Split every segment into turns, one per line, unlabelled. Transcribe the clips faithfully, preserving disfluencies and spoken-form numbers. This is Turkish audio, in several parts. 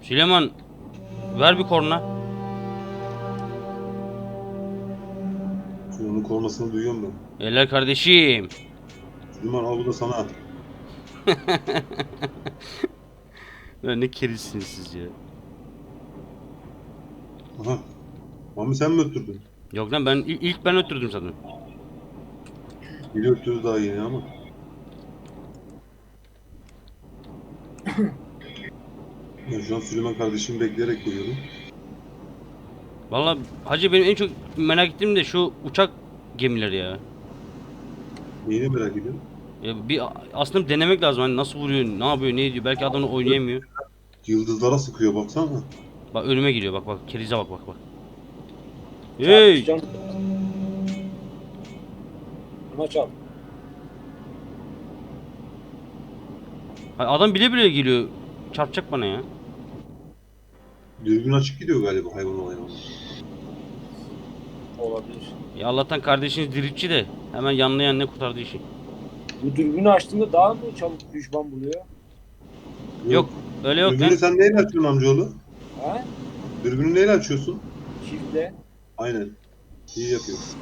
Süleyman ver bir korna.
Onun kornasını duyuyorum ben.
Eller kardeşim.
Süleyman al bu da sana.
Ya ne kerisiniz siz ya.
Aha. Mami sen mi öttürdün?
Yok lan ben il- ilk ben öttürdüm zaten.
Biri öttürdü daha yeni ama. Ben şu an Süleyman kardeşimi bekleyerek koyuyordum.
Vallahi hacı benim en çok merak ettiğim de şu uçak gemileri ya.
Neyini merak ediyorum.
Ya bir aslında denemek lazım hani nasıl vuruyor, ne yapıyor, ne ediyor. Belki adam onu oynayamıyor.
Yıldızlara sıkıyor baksana.
Bak önüme giriyor bak bak kerize bak bak bak. Hey!
Çarpışacağım. Buna çarp.
Ha, adam bile bile geliyor. Çarpacak bana ya.
Dürbün açık gidiyor galiba hayvan olayına.
Olabilir.
Ya Allah'tan kardeşiniz diriltçi de hemen yanına yanına kurtardı işi.
Bu dürbünü açtığında daha mı çabuk düşman buluyor?
Yok öyle yok
Dürbünü
lan.
sen neyle açıyorsun amcaoğlu?
Ha?
Dürbünü neyle açıyorsun?
Çiftle.
Aynen. İyi yapıyorsun.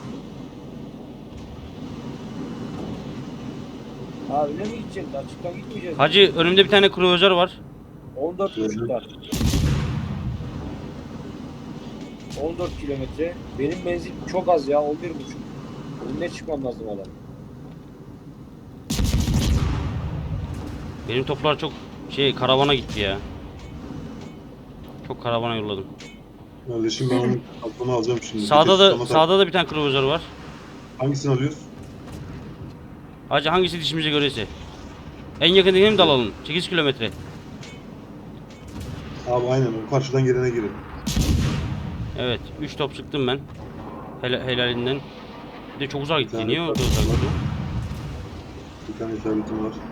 Ha öyle mi gideceğiz? Açıktan gitmeyeceğiz.
Hacı önümde bir tane kruvazör var.
on dört
Gördüm.
buçuklar. on dört kilometre. Benim menzil çok az ya. on bir buçuk. Önüne çıkmam lazım adam.
Benim toplar çok şey karavana gitti ya. Çok karavana yolladım.
Kardeşim ben onun aklını alacağım şimdi.
Sağda
Vites
da
tutama tak-
sağda da bir tane kruvazör var.
Hangisini alıyoruz?
Hacı hangisi dişimize göreyse. En yakındakini mi dalalım? sekiz kilometre.
Abi aynen o karşıdan gelene girin.
Evet üç top sıktım ben. Hel helalinden. Bir de çok uzağa gitti.
tane
Niye o
var.
kadar uzağa gitti?
Bir tane isabetim var.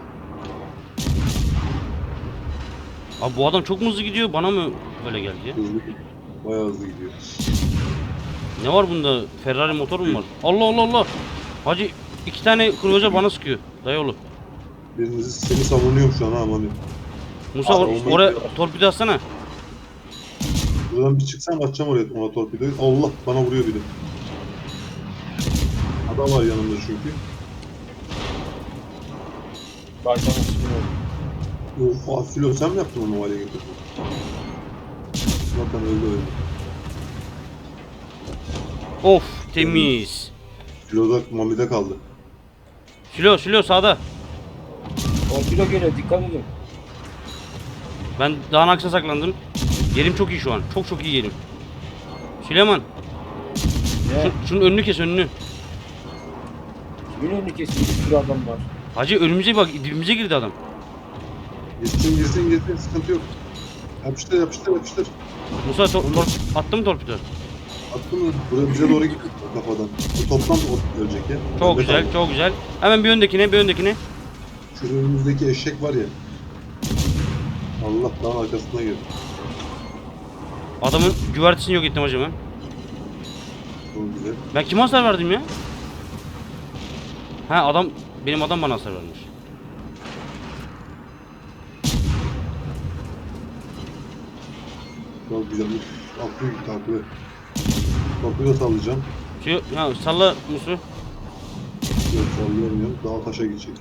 Abi bu adam çok mu hızlı gidiyor? Bana mı öyle geldi ya?
Hızlı gidiyor. Bayağı hızlı gidiyor.
Ne var bunda? Ferrari motor mu var? Allah Allah Allah. Hacı iki tane kruvazör bana sıkıyor. Dayıoğlu.
Birinizi seni savunuyorum şu an ha Mami.
Musa or-
Savunma
oraya
gidiyor.
torpido atsana.
Buradan bir çıksam atacağım oraya ona torpidoyu. Allah bana vuruyor biri. Adam var yanımda çünkü.
Başlamak istiyorum.
Of Afilo sen mi yaptın onu o hale getirdin? Zaten öldü öldü.
Of temiz.
Filo'da Mami'de kaldı.
Silo silo sağda.
Torpido geliyor. Dikkat edin.
Ben dağın arkasına saklandım. Yerim çok iyi şu an. Çok çok iyi yerim. Süleyman.
Ne?
Şu, şunun önünü kes önünü.
Kimin önünü kesiyor? Bir sürü adam var.
Hacı önümüze bak dibimize girdi adam.
Girsin girsin girsin sıkıntı yok. Yapıştır yapıştır yapıştır.
Musa tor tor attı mı torpido?
Attın mı? Buraya bize doğru gidiyor kafadan. Bu toplam o ölecek ya.
Çok
Önde
güzel
kaldı.
çok güzel. Hemen bir öndekine bir öndekine.
Şu önümüzdeki eşek var ya. Allah dağın arkasına girdi.
Adamın güvertesini yok ettim hacı ben.
Çok güzel.
Ben kime hasar verdim ya? Ha adam benim adam bana hasar vermiş.
Çok güzel. Uf, atlıyor gitti atlıyor. Torpido sallayacağım.
Şu ya salla Musu.
Yok sallayamıyorum. Dağa taşa gidecek.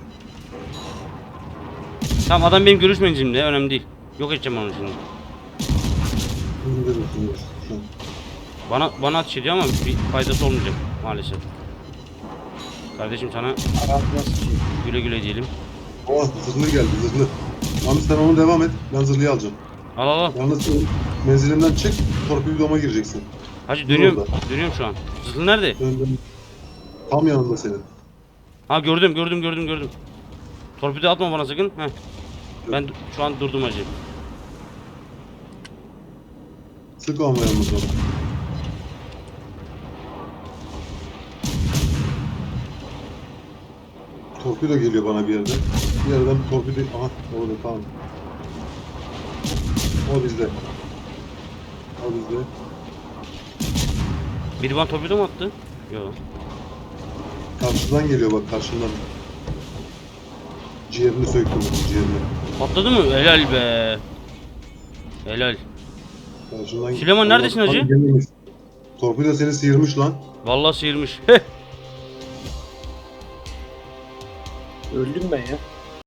Tamam adam benim görüş menzilimde önemli değil. Yok edeceğim onu şimdi.
İndir misin şu an?
Bana bana ateş ediyor ama bir faydası olmayacak maalesef. Kardeşim sana
Hayatına sıçayım.
güle güle diyelim.
Oh zırhlı geldi zırhlı. Mami sen onu devam et. Ben zırhlıyı alacağım.
Al al al.
Yalnız sen menzilimden çık. Torpidoma gireceksin.
Hacı
Dur
dönüyorum.
orada.
Dönüyorum şu an. Zırhlı nerede?
Dön, dön. Tam yanında senin.
Ha gördüm gördüm gördüm gördüm. Torpido atma bana sakın. Heh. Ben d- şu an durdum hacı.
Sık ama yalnız onu. Torpido geliyor bana bir yerden. Bir yerden torpido... Aha orada tamam. O bizde. O bizde.
Biri bana torpido mu attı? Yok.
Karşıdan geliyor bak karşından. Ciğerini söktüm onun ciğerini.
Patladı mı? Helal be. Helal.
Ya şundan...
Süleyman, neredesin
Allah-
hacı?
Lan gelmemiş. Torpido seni sıyırmış lan.
Vallahi sıyırmış. Heh.
Öldüm ben ya.